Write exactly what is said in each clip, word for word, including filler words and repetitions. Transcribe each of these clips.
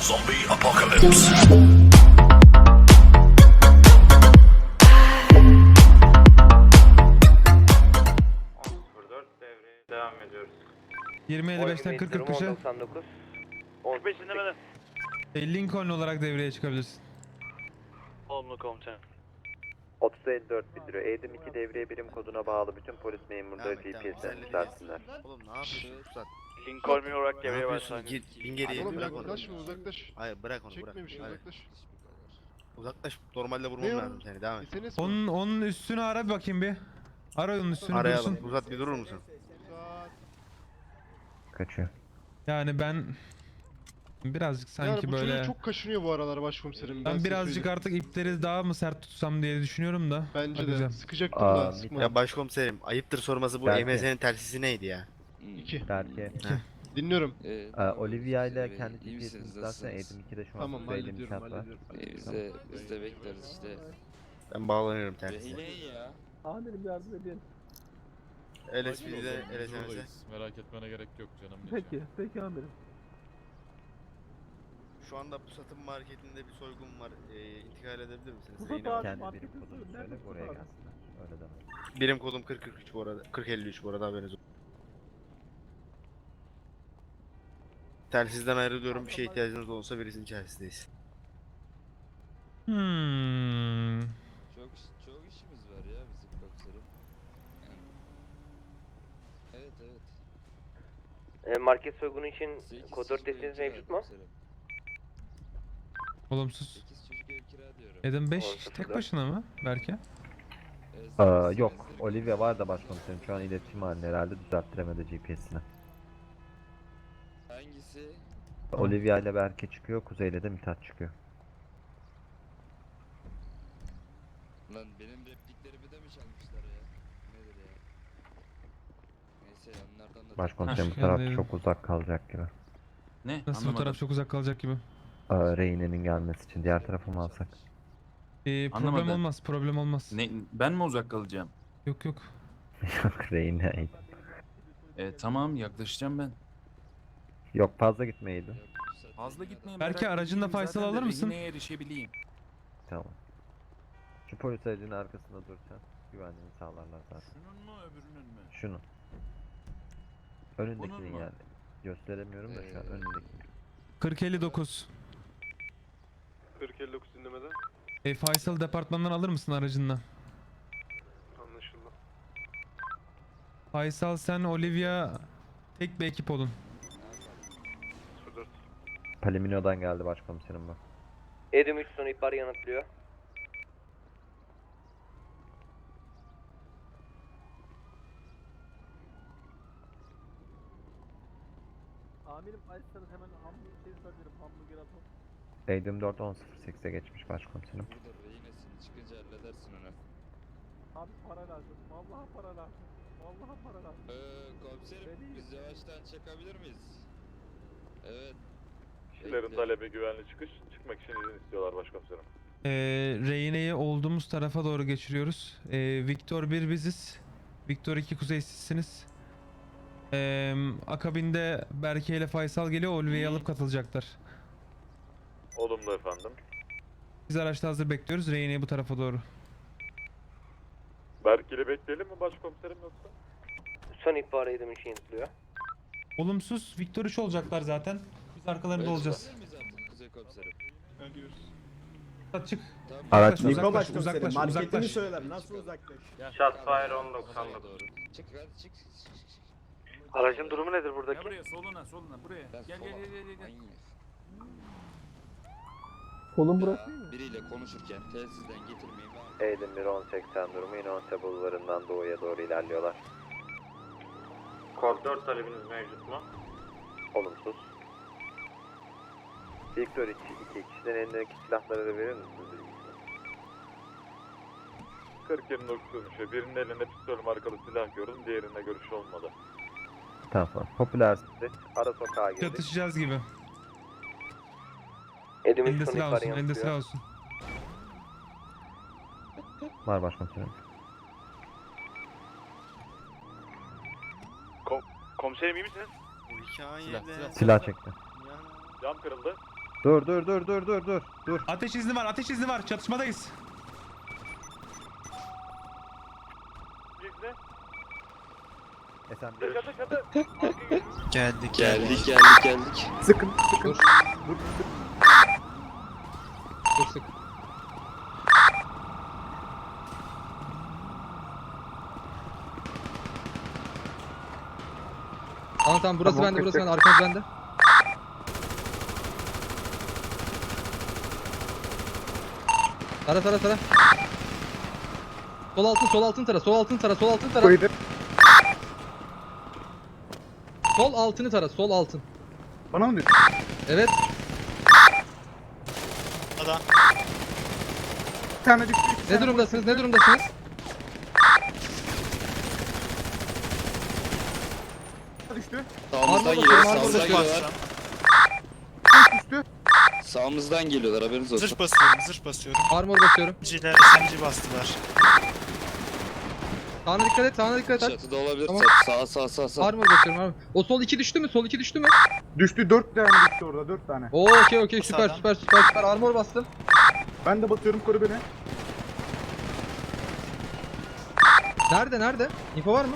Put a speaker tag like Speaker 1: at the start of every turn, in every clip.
Speaker 1: Zombie apocalypse.
Speaker 2: Devreye devam ediyoruz.
Speaker 3: yirmi elli beşten kırk kırk beşe
Speaker 2: on beş dinlemeden.
Speaker 3: Lincoln olarak devreye çıkabilirsin.
Speaker 2: Olumlu komutanım.
Speaker 4: otuz elli dört bildiriyor. Eğitim iki devriye birim koduna bağlı bütün polis memurları
Speaker 5: Devam et,
Speaker 4: G
Speaker 5: devam
Speaker 4: P
Speaker 5: et.
Speaker 4: S'den
Speaker 5: Güzellik
Speaker 4: yükselsinler.
Speaker 5: Oğlum ne yapıyorsun? Uzat.
Speaker 2: Lincoln olarak
Speaker 5: Ne
Speaker 2: devreye
Speaker 5: yapıyorsun?
Speaker 2: başlangıç.
Speaker 5: Git, bin geriye.
Speaker 6: Oğlum
Speaker 5: Bırak onu.
Speaker 6: uzaklaşma uzaklaş.
Speaker 5: Hayır bırak onu bırak.
Speaker 6: Çekmemişim
Speaker 5: Hayır.
Speaker 6: uzaklaş.
Speaker 5: Uzaklaş. Normalde vurmam
Speaker 6: Ne o?
Speaker 5: lazım seni. Devam et.
Speaker 6: S N S mi?
Speaker 3: Onun onun üstünü ara bir bakayım bir. Ara onun üstünü
Speaker 5: Arayalım.
Speaker 3: dursun.
Speaker 5: Uzat bir durur musun?
Speaker 6: Saat.
Speaker 4: Kaçıyor.
Speaker 3: Yani ben birazcık sanki
Speaker 6: Yani bu
Speaker 3: böyle
Speaker 6: çocuk çok kaşınıyor bu aralar başkomiserim.
Speaker 3: ben
Speaker 6: size
Speaker 3: birazcık
Speaker 6: söyleyeyim.
Speaker 3: artık ipleri daha mı sert tutsam diye düşünüyorum da.
Speaker 6: Bence de
Speaker 3: bakacağım.
Speaker 6: sıkacaktım
Speaker 4: Aa,
Speaker 6: da
Speaker 4: bir
Speaker 6: sıkma.
Speaker 5: Ya başkomiserim ayıptır sorması bu
Speaker 4: Belki.
Speaker 5: E M S'nin tersisi neydi ya?
Speaker 6: İki.
Speaker 4: Belki.
Speaker 6: Dinliyorum.
Speaker 7: Ee,
Speaker 4: Ee, Olivia ile kendi
Speaker 7: iyi
Speaker 4: G P
Speaker 7: misiniz,
Speaker 4: S'ini zaten
Speaker 7: nasılsınız?
Speaker 4: Eğitim ikide şu an
Speaker 6: Tamam
Speaker 4: sırada Eğitim
Speaker 6: hallediyorum
Speaker 4: şart var.
Speaker 6: hallediyorum.
Speaker 7: Ee, biz de biz de bekleriz işte.
Speaker 5: Ben bağlanıyorum tersine.
Speaker 7: Rehine ya.
Speaker 8: Amirim yardım edin.
Speaker 5: L S P'de L S M'de.
Speaker 9: Merak etmene gerek yok canım.
Speaker 8: Peki, peki amirim.
Speaker 5: Şu anda bu satım marketinde bir soygun var. Ee, intikal edebilir misiniz?
Speaker 8: Pusat
Speaker 5: Zeynep Hanım?
Speaker 8: abi.
Speaker 4: Kendi
Speaker 8: marketi
Speaker 4: birim kodunu
Speaker 8: söyle,
Speaker 4: söyle
Speaker 8: nerede
Speaker 4: buraya
Speaker 8: Pusat abi?
Speaker 4: gelsinler. Öyle deme.
Speaker 5: Birim kodum kırk kırk üç bu arada. kırk elli üç bu arada haberiniz olsun. Telsizden ayrılıyorum. Bir şeye ihtiyacınız olursa birisinin içerisindeyiz.
Speaker 3: Hmm.
Speaker 7: Çok çok işimiz var ya bizim komiserim. Yani. Evet evet.
Speaker 10: E, market soygunu için
Speaker 7: Sekiz
Speaker 10: kod
Speaker 7: çocuk
Speaker 10: dört desteğiniz
Speaker 7: ev kira
Speaker 10: mevcut mu?
Speaker 7: komiserim.
Speaker 3: Olumsuz.
Speaker 7: Sekiz çocuk ev kira diyorum.
Speaker 3: Adam beş
Speaker 10: Olsun,
Speaker 3: tek
Speaker 10: da.
Speaker 3: başına mı belki?
Speaker 7: Ee,
Speaker 4: Aa,
Speaker 7: sekiz
Speaker 4: yok.
Speaker 7: senedir-
Speaker 4: Olivia var da başkomiserim şu an iletişim halinde herhalde düzelttiremedi G P S'ini.
Speaker 7: Hangisi?
Speaker 4: Olivia ile Berke çıkıyor, Kuzey ile de Mithat çıkıyor.
Speaker 7: Lan benim repliklerimi de mi çalmışlar ya? Nedir ya? Neyse onlardan da...
Speaker 4: Başkomiserim bu
Speaker 3: Heh,
Speaker 4: taraf
Speaker 3: geldi.
Speaker 4: çok uzak kalacak gibi.
Speaker 9: Ne?
Speaker 3: Nasıl bu taraf çok uzak kalacak gibi.
Speaker 4: Aa, Reyne'nin gelmesi için diğer tarafı mı alsak?
Speaker 3: Ee, problem
Speaker 9: Anlamadım.
Speaker 3: olmaz, problem olmaz.
Speaker 9: Ne, ben mi uzak kalacağım?
Speaker 3: Yok yok.
Speaker 4: Yok Reyne.
Speaker 9: E, tamam yaklaşacağım ben.
Speaker 4: Yok fazla gitmeydi.
Speaker 9: Fazla gitmeyin.
Speaker 3: Belki
Speaker 9: merak
Speaker 3: aracınla
Speaker 9: etmeyin,
Speaker 3: Faysal
Speaker 9: zaten de
Speaker 3: alır mısın?
Speaker 9: rehineye erişebileyim.
Speaker 4: Tamam. Şu polis aracının arkasında dursan güvenliğini sağlarlar zaten.
Speaker 9: Şunun mu öbürünün mü?
Speaker 4: Şunu.
Speaker 9: Bunun
Speaker 4: Önündekinin
Speaker 9: mu?
Speaker 4: yani. Gösteremiyorum da şu an
Speaker 7: Ee,
Speaker 4: önündeki.
Speaker 3: kırk elli dokuz.
Speaker 6: kırk elli dokuz dinlemeden.
Speaker 3: E, Faysal departmandan alır mısın aracınla?
Speaker 6: Anlaşıldı.
Speaker 3: Faysal sen Olivia tek bir ekip olun.
Speaker 4: Palimino'dan geldi başkomiserim bak.
Speaker 10: Edim üç son ihbar yanıtlıyor.
Speaker 8: Amirim açsanız hemen hamburger şey sarıyorum, hamburger atalım.
Speaker 4: Eğitim dört on sıfır sekize geçmiş başkomiserim.
Speaker 7: Burada rehinesin çıkınca halledersin onu.
Speaker 8: Abi para lazım, vallahi para lazım. Vallahi para lazım.
Speaker 7: Ee, komiserim
Speaker 8: Beni-
Speaker 7: biz yavaştan çekebilir miyiz? Evet.
Speaker 9: Kişilerin
Speaker 7: Bekle.
Speaker 9: talebi güvenli çıkış. Çıkmak için izin istiyorlar başkomiserim.
Speaker 3: E, Reyne'yi olduğumuz tarafa doğru geçiriyoruz. E, Victor bir biziz. Victor iki kuzey sizsiniz. E, akabinde Berke ile Faysal geliyor. Olivia'yı alıp katılacaklar.
Speaker 9: Olumlu efendim.
Speaker 3: Biz araçta hazır bekliyoruz. Reyne'yi bu tarafa doğru.
Speaker 9: Berkeli bekleyelim mi başkomiserim yoksa?
Speaker 10: Son ihbar Edim üç yanıtlıyor.
Speaker 3: Olumsuz. Victor üç olacaklar zaten. Biz arkalarında
Speaker 7: Evet,
Speaker 3: olacağız.
Speaker 7: olabilir miyiz artık Kuzey komiserim?
Speaker 3: Çık.
Speaker 7: Tamam.
Speaker 4: Araç
Speaker 3: Uzaklaş,
Speaker 4: Mikro
Speaker 3: uzaklaş, uzaklaş, uzaklaş.
Speaker 8: söyler, nasıl uzaklaş?
Speaker 2: Shotfire on doksan
Speaker 7: Oraya
Speaker 2: dokuz.
Speaker 7: doğru. Çık hadi çık.
Speaker 2: Aracın durumu nedir
Speaker 9: Gel
Speaker 2: buradaki?
Speaker 9: buraya soluna soluna buraya.
Speaker 7: Ben
Speaker 9: Gel gel
Speaker 7: sola-
Speaker 9: gel gel. gel.
Speaker 7: Manyak.
Speaker 8: Kolum
Speaker 7: Ya,
Speaker 8: burası değil mi?
Speaker 7: biriyle konuşurken telsizden getirmeyin.
Speaker 4: Eğitim bir on seksen durumu Inonse bulvarından doğuya doğru ilerliyorlar.
Speaker 2: Kod dört talebiniz mevcut mu?
Speaker 4: Olumsuz. Victor iki, iki kişiden elindeki silahları da verir misiniz?
Speaker 9: kırk yirmi dokuz dönüşü. Birinin elinde pistol markalı silah gördüm. Diğerinde görüş olmadı.
Speaker 4: Tamam. Popüler Street, ara sokağa girdik.
Speaker 3: Çatışacağız gibi.
Speaker 10: Edim
Speaker 3: Elinde
Speaker 10: üç son
Speaker 3: silah
Speaker 10: ihbar
Speaker 3: olsun. Elinde silah
Speaker 10: yanıtlıyor.
Speaker 3: olsun.
Speaker 4: Var başkomiserim.
Speaker 2: Komiserim iyi misiniz?
Speaker 5: Bu hikaye
Speaker 9: Silah,
Speaker 5: de-
Speaker 9: silah.
Speaker 4: Silah çekti.
Speaker 5: Yani-
Speaker 9: Cam kırıldı.
Speaker 4: Dur dur dur dur dur dur. Dur.
Speaker 3: Ateş izni var, ateş izni var. Çatışmadayız.
Speaker 2: İzni.
Speaker 4: Esen
Speaker 2: Çatı çatı.
Speaker 7: Geldik geldik geldik geldik.
Speaker 4: Sıkın sıkın.
Speaker 8: Dur.
Speaker 4: Dur sık.
Speaker 8: Dur sık. Tamam tamam burası
Speaker 4: Tamam,
Speaker 8: bende burası
Speaker 4: kırk,
Speaker 8: bende arkamız bende. Tara tara tara. Sol altın sol altın tara sol altın tara sol altın tara.
Speaker 4: Koydu.
Speaker 8: Sol altını tara sol altın.
Speaker 6: Bana mı diyorsun?
Speaker 8: Evet.
Speaker 6: Bir tane düştü.
Speaker 8: Ne durumdasınız ne durumdasınız?
Speaker 6: Düştü.
Speaker 7: Sağımızdan
Speaker 8: Armor
Speaker 7: geliyorlar
Speaker 8: basıyorum, armor
Speaker 7: sağımızdan
Speaker 8: basıyorum.
Speaker 7: geliyorlar.
Speaker 6: Düştü.
Speaker 7: Sağımızdan geliyorlar haberiniz olsun.
Speaker 1: Zırh basıyorum, zırh basıyorum.
Speaker 8: Armor basıyorum.
Speaker 1: Ciler S M G bastılar.
Speaker 8: Sağına dikkat et sağına dikkat et.
Speaker 7: Çatıda olabilir.
Speaker 8: Tamam.
Speaker 7: Sağ sağ sağ sağ.
Speaker 8: Armor basıyorum armor. O sol iki düştü mü? Sol iki düştü mü?
Speaker 6: Düştü. Dört tane düştü orada. Dört tane.
Speaker 8: Oo okey okey süper
Speaker 1: Sağdan.
Speaker 8: süper süper süper armor bastım.
Speaker 6: Ben de basıyorum. Koru beni.
Speaker 8: Nerede nerede? Info var mı?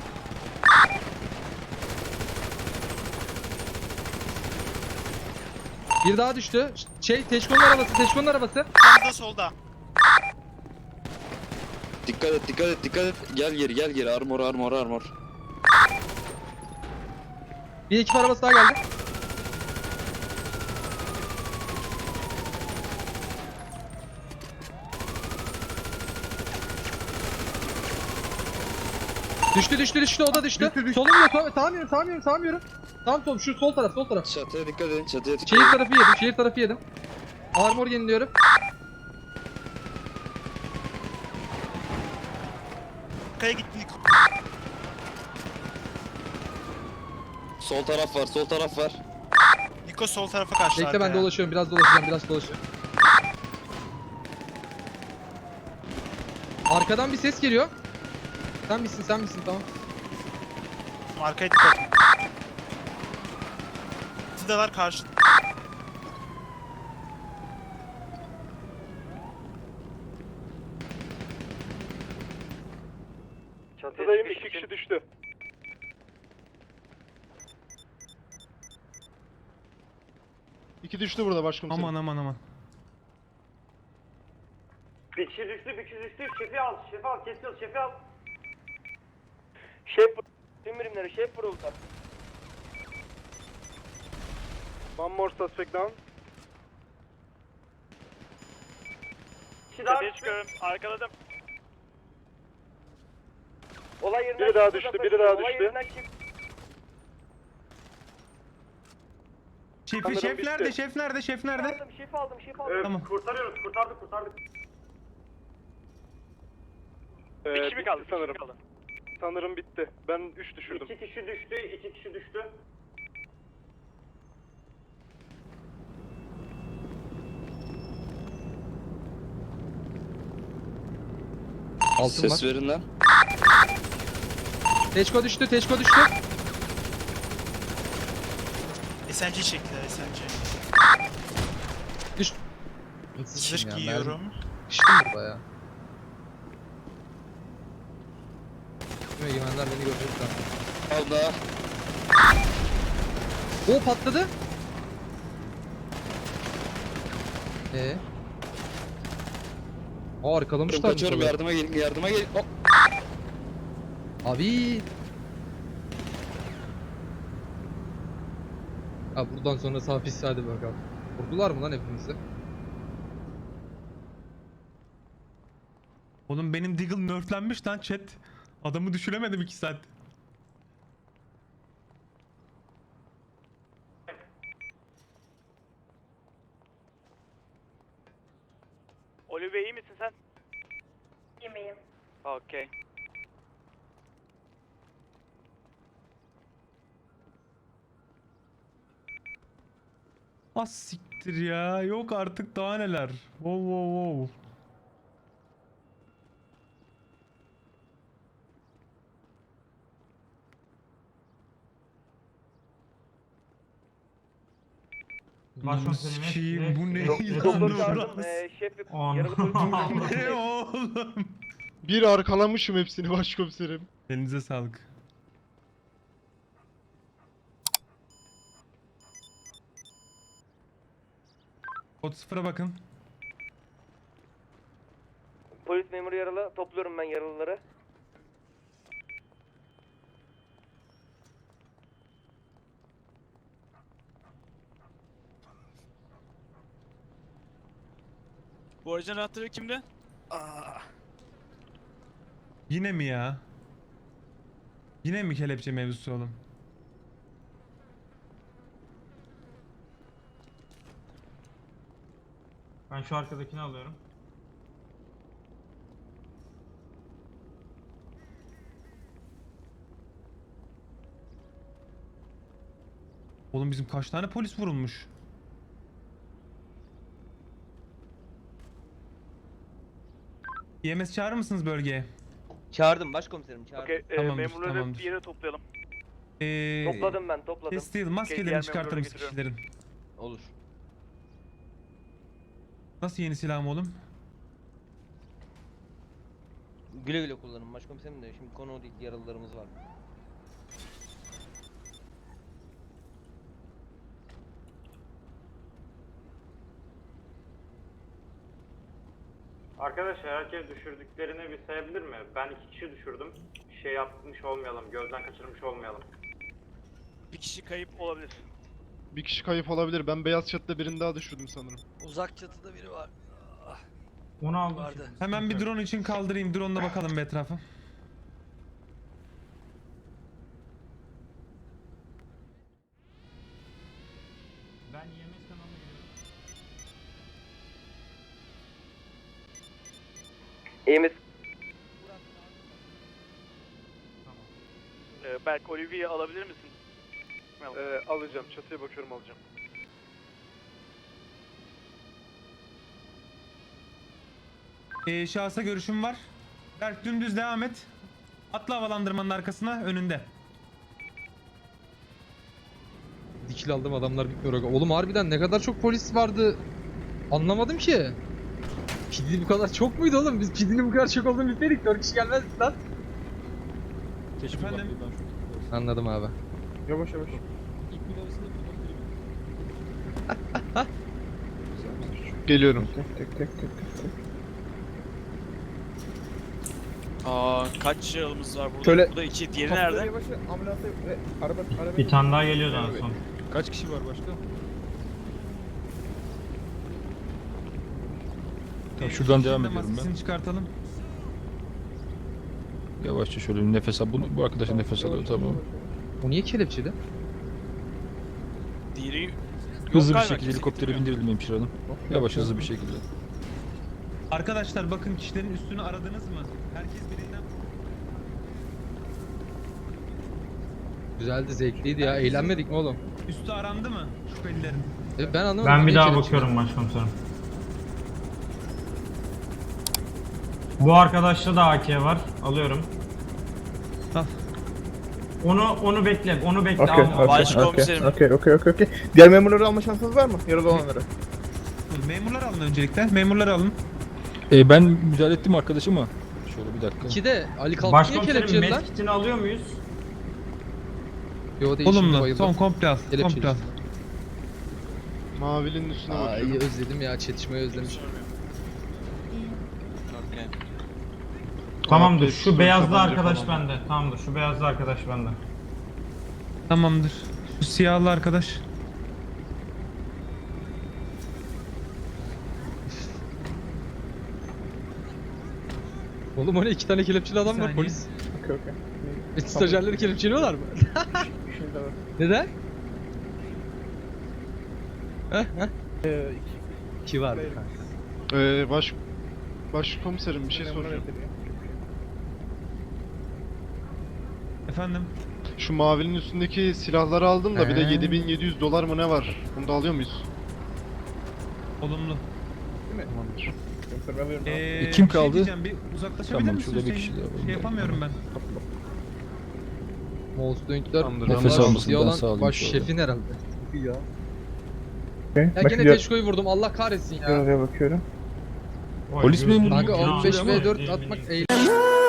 Speaker 8: Bir daha düştü. Şey Teşkon'un arabası Teşkon'un arabası.
Speaker 1: Yanında solda.
Speaker 7: Dikkat et dikkat et dikkat et. Gel geri gel geri armor armor armor.
Speaker 8: Bir ekip arabası daha geldi. Düştü düştü düştü o da düştü.
Speaker 6: Düştü, düştü.
Speaker 8: Solum yok sol, sağmıyorum sağmıyorum sağmıyorum. Tam sol şu sol taraf sol taraf.
Speaker 7: Çatıya dikkat edin çatıya dikkat
Speaker 8: Şehir
Speaker 7: edin.
Speaker 8: tarafı yedim şehir tarafı yedim. Armor yeniliyorum.
Speaker 1: Kaya gitti.
Speaker 7: Sol taraf var sol taraf var.
Speaker 1: Niko sol tarafa kaçtı.
Speaker 8: Bekle ben
Speaker 1: arkaya.
Speaker 8: dolaşıyorum biraz dolaşacağım biraz dolaşıyorum. Arkadan bir ses geliyor. Sen misin sen misin tamam.
Speaker 1: Arkaya dikkat. Sidalar karşı.
Speaker 6: Çatıdayım. İki kişi düştü. İki düştü burada başkomiserim.
Speaker 3: Aman aman aman.
Speaker 2: Bir kişi düştü bir kişi düştü. Şefi al şefi al kesiyoruz şefi al.
Speaker 10: Şef tüm birimleri şef vuruldu.
Speaker 6: One more suspect down.
Speaker 2: Kişi daha düştü. Arkaladım.
Speaker 10: Olay yerinden
Speaker 6: Biri daha
Speaker 10: çıktı,
Speaker 6: düştü,
Speaker 10: zaten
Speaker 6: biri daha
Speaker 10: olay
Speaker 6: düştü.
Speaker 10: yerinden çıktı.
Speaker 3: Şefi
Speaker 6: Sanırım
Speaker 3: şef
Speaker 6: bitti.
Speaker 3: nerede? Şef nerede? Şef nerede?
Speaker 10: Aldım şef aldım şef aldım.
Speaker 2: Evet,
Speaker 3: Tamam.
Speaker 2: kurtarıyoruz kurtardık kurtardık.
Speaker 6: Ee,
Speaker 2: Bir kişi mi kaldı?
Speaker 6: bitti sanırım. Sanırım bitti. Ben üç düşürdüm.
Speaker 2: İki kişi düştü iki kişi düştü.
Speaker 8: Altın var.
Speaker 7: Ses verin lan.
Speaker 8: Teşko düştü Teşko düştü.
Speaker 1: S M G çektiler S M G.
Speaker 8: Düş.
Speaker 1: Zırh giyiyorum.
Speaker 8: Kıştım burada ya. Tüm egemenler beni görecekler.
Speaker 7: Al da.
Speaker 8: O patladı. Ee? Aa arkalamışlar mı
Speaker 7: Kaçıyorum
Speaker 8: tabii?
Speaker 7: yardıma gelin yardıma gelin. Hop.
Speaker 8: Abi. Ha buradan sonra hapis hadi bakalım. Vurdular mı lan hepimizi?
Speaker 3: Oğlum benim Deagle nerflenmiş lan chat. Adamı düşüremedim iki saat.
Speaker 2: Olive iyi misin sen?
Speaker 11: Yemeğim.
Speaker 2: Okey.
Speaker 3: Az siktir ya. Yok artık daha neler. Wow wow wow. Başkomiserim bu ne?
Speaker 10: Doktor çağırdım. Ee, şef ve yaralı polis.
Speaker 3: Ne oğlum?
Speaker 6: Bir arkalamışım hepsini başkomiserim.
Speaker 3: Elinize sağlık. Kod sıfıra bakın.
Speaker 10: Polis memuru yaralı. Topluyorum ben yaralıları.
Speaker 1: Bu aracın anahtarı kimde?
Speaker 3: Yine mi ya? Yine mi kelepçe mevzusu oğlum?
Speaker 12: Ben şu arkadakini alıyorum.
Speaker 3: Oğlum bizim kaç tane polis vurulmuş? E M S çağırır mısınız bölgeye?
Speaker 10: Çağırdım başkomiserim çağırdım.
Speaker 2: Okey, e,
Speaker 3: Tamamdır,
Speaker 2: memurları
Speaker 3: tamamdır.
Speaker 2: bir yere toplayalım.
Speaker 3: Ee,
Speaker 10: Topladım ben topladım.
Speaker 3: Kestil
Speaker 2: diğer
Speaker 3: maskelerini çıkartır
Speaker 2: memurları
Speaker 3: mısın
Speaker 2: getiriyorum.
Speaker 3: kişilerin?
Speaker 10: Olur.
Speaker 3: Nasıl yeni silahım oğlum?
Speaker 10: Güle güle kullanın başkomiserim de şimdi konu o değil, yaralılarımız var.
Speaker 2: Arkadaşlar herkes düşürdüklerini bir sayabilir mi? Ben iki kişi düşürdüm. Şey yapmış olmayalım, gözden kaçırmış olmayalım.
Speaker 1: Bir kişi kayıp olabilir.
Speaker 6: Bir kişi kayıp olabilir. Ben beyaz çatıda birini daha düşürdüm sanırım.
Speaker 7: Uzak çatıda biri var.
Speaker 12: Onu aldım.
Speaker 7: Vardı.
Speaker 3: Hemen bir drone için kaldırayım. Drone'la bakalım bir etrafa.
Speaker 12: Ben E M S kanalına giriyorum.
Speaker 10: İyi misin?
Speaker 12: Tamam.
Speaker 2: Ee, Berk, Olivier'i alabilir misin?
Speaker 6: Ee, alacağım. Çatıya bakıyorum alacağım.
Speaker 3: Ee, şahsa görüşüm var. Berk dümdüz devam et. Atla havalandırmanın arkasına önünde.
Speaker 8: Dikil aldım adamlar bitmiyor. aga. Oğlum harbiden ne kadar çok polis vardı. Anlamadım ki. Pidi bu kadar çok muydu oğlum? Biz pidinin bu kadar çok olduğunu bilmedik. dört kişi gelmezdik lan.
Speaker 3: Efendim?
Speaker 8: Anladım abi.
Speaker 6: Yavaş yavaş. Geliyorum.
Speaker 1: Aa, kaç yaralımız var burada?
Speaker 4: Şöyle-
Speaker 1: Burada iki. Diğeri nerede?
Speaker 12: Bir tane daha geliyordu en son.
Speaker 7: Kaç kişi var başka?
Speaker 3: Ee,
Speaker 7: şuradan
Speaker 3: kişinin
Speaker 7: devam
Speaker 3: de
Speaker 7: ediyorum ben.
Speaker 3: maskesini çıkartalım.
Speaker 7: Yavaşça şöyle bir nefes al. Bu, bu arkadaş nefes alıyor tamam.
Speaker 8: O niye kelepçeli?
Speaker 1: Diğeri yok
Speaker 7: Hızlı bir
Speaker 1: galiba,
Speaker 7: şekilde
Speaker 1: kimse
Speaker 7: helikoptere
Speaker 1: getirmiyor.
Speaker 7: bindirelim hemşire hanım. Yavaş hızlı bir şekilde.
Speaker 3: Arkadaşlar bakın kişilerin üstünü aradınız mı? Herkes birinden...
Speaker 8: Güzeldi, zevkliydi ya. Eğlenmedik mi oğlum?
Speaker 3: Üstü arandı mı şüphelilerin?
Speaker 8: E, ben anlamadım.
Speaker 12: Ben bir
Speaker 8: niye
Speaker 12: daha
Speaker 8: kelepçeli?
Speaker 12: bakıyorum başkomiserim. Bu arkadaşta da A K var. Alıyorum.
Speaker 3: Al.
Speaker 12: Onu onu bekle. Onu bekle.
Speaker 9: Okey,
Speaker 12: alma.
Speaker 9: okey,
Speaker 1: Başkomiserim.
Speaker 9: okey, okey, okey, okey. Diğer memurları alma şansınız var mı? Yaralı olanları.
Speaker 3: Memurlar alın öncelikle. Memurları alın.
Speaker 7: Ee, ben müdahale ettim arkadaşıma. Şöyle bir dakika.
Speaker 8: İki de Ali Kalk niye
Speaker 12: Başkomiserim
Speaker 8: kelepçeli lan?
Speaker 12: medkitini alıyor muyuz?
Speaker 8: Yo değil şimdi
Speaker 3: Olumlu.
Speaker 8: bayıldı.
Speaker 3: Son komple al.
Speaker 8: Kelepçeli.
Speaker 3: Komple al.
Speaker 6: Mavinin üstüne
Speaker 8: Aa
Speaker 6: bakıyorum.
Speaker 8: iyi özledim ya, çetişmeyi özlemişim.
Speaker 1: Okey.
Speaker 12: Tamamdır.
Speaker 6: Abi,
Speaker 12: Şu beyazlı
Speaker 6: tabanca
Speaker 12: arkadaş
Speaker 6: falan.
Speaker 12: bende. Tamamdır. Şu beyazlı arkadaş bende.
Speaker 3: Tamamdır. Şu siyahlı arkadaş.
Speaker 8: Oğlum o ne, iki tane kelepçeli adam
Speaker 3: Bir
Speaker 8: var
Speaker 3: saniye.
Speaker 8: polis.
Speaker 9: Okey, okey.
Speaker 8: E, stajyerleri kelepçeliyorlar mı?
Speaker 9: Bir şey de var.
Speaker 8: Neden? Heh heh.
Speaker 9: Ee,
Speaker 8: İki vardı
Speaker 9: iki-
Speaker 8: kanka.
Speaker 6: Ee, baş... Başkomiserim bir şey soracağım.
Speaker 3: Efendim?
Speaker 6: Şu mavinin üstündeki silahları aldım da bir de
Speaker 3: He.
Speaker 6: yedi bin yedi yüz dolar mı ne var? Bunu da alıyor muyuz?
Speaker 3: Olumlu.
Speaker 6: Tamamdır.
Speaker 9: Yoksa ben veririm.
Speaker 3: Ee,
Speaker 7: kim
Speaker 3: bir şey
Speaker 7: kaldı?
Speaker 3: diyeceğim, bir uzaklaşabilir
Speaker 7: Tamam,
Speaker 3: misin
Speaker 7: şurada bir
Speaker 3: Hüseyin?
Speaker 7: kişi daha var.
Speaker 3: Şey yapamıyorum ben.
Speaker 8: Molsdoinkler
Speaker 6: Tamamdır,
Speaker 7: nefes
Speaker 8: onlar
Speaker 7: almasından
Speaker 8: siyah olan
Speaker 7: sağlayayım
Speaker 8: baş
Speaker 7: şöyle.
Speaker 8: şefin herhalde.
Speaker 9: Ya.
Speaker 8: Ya gene Teşko'yu vurdum Allah kahretsin ya.
Speaker 12: Polis memuru
Speaker 8: Kanka
Speaker 12: mu?
Speaker 8: on beş ve dört atmak eğlenceli.